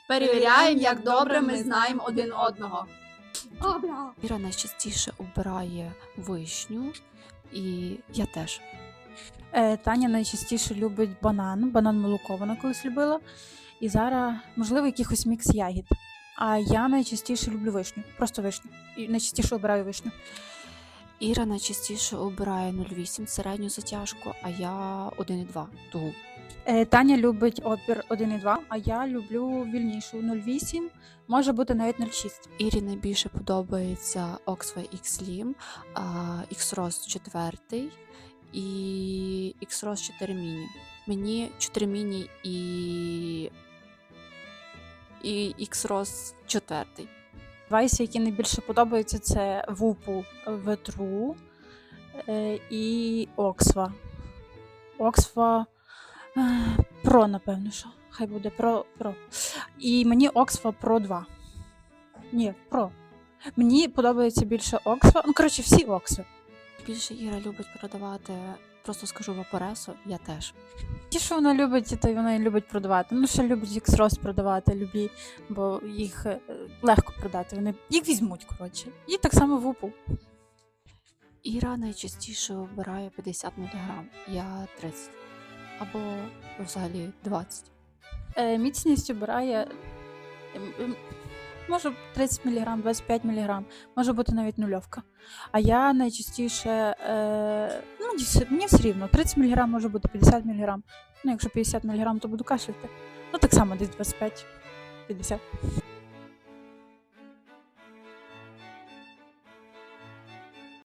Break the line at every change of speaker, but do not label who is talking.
Перевіряємо, як добре ми знаємо один одного.
Іра найчастіше обирає вишню, і я теж.
Таня найчастіше любить банан молоко вона колись любила. І зараз, можливо, якихось мікс ягід. А я найчастіше люблю вишню, просто вишню. І найчастіше обираю вишню.
Іра найчастіше обирає 0,8 середню затяжку, а я 1,2 тугу.
Таня любить опір 1,2, а я люблю вільнішу 0,8, може бути навіть 0,6.
Ірі найбільше подобається Oxway X-Slim, X-Rose 4 і X-Rose 4 Mini. Мені 4 Mini і X-Rose 4.
Девайси, які найбільше подобаються, це Whoop V-True і Oxwa. Oxwa Pro, напевно, що. Хай буде Pro. І мені Oxwa Pro 2. Ні, Pro. Мені подобається більше Oxwa. Ну, коротше, всі Oxwa.
Більше Іра любить продавати, просто скажу, Vaporesso, я теж.
Ті, що вона любить, то й вона і любить продавати. Ну, ще любить X-Rose продавати, любі, бо їх легко продати. Вони їх візьмуть, коротше. І так само Whoop.
Іра найчастіше обирає 50 мг, я 30. Або взагалі 20.
Міцність обирає, може 30 мг, 25 мг, може бути навіть нульовка. А я найчастіше, мені все рівно, 30 мг може бути 50 мг. Ну, якщо 50 мг, то буду кашляти. Ну, так само десь 25-50.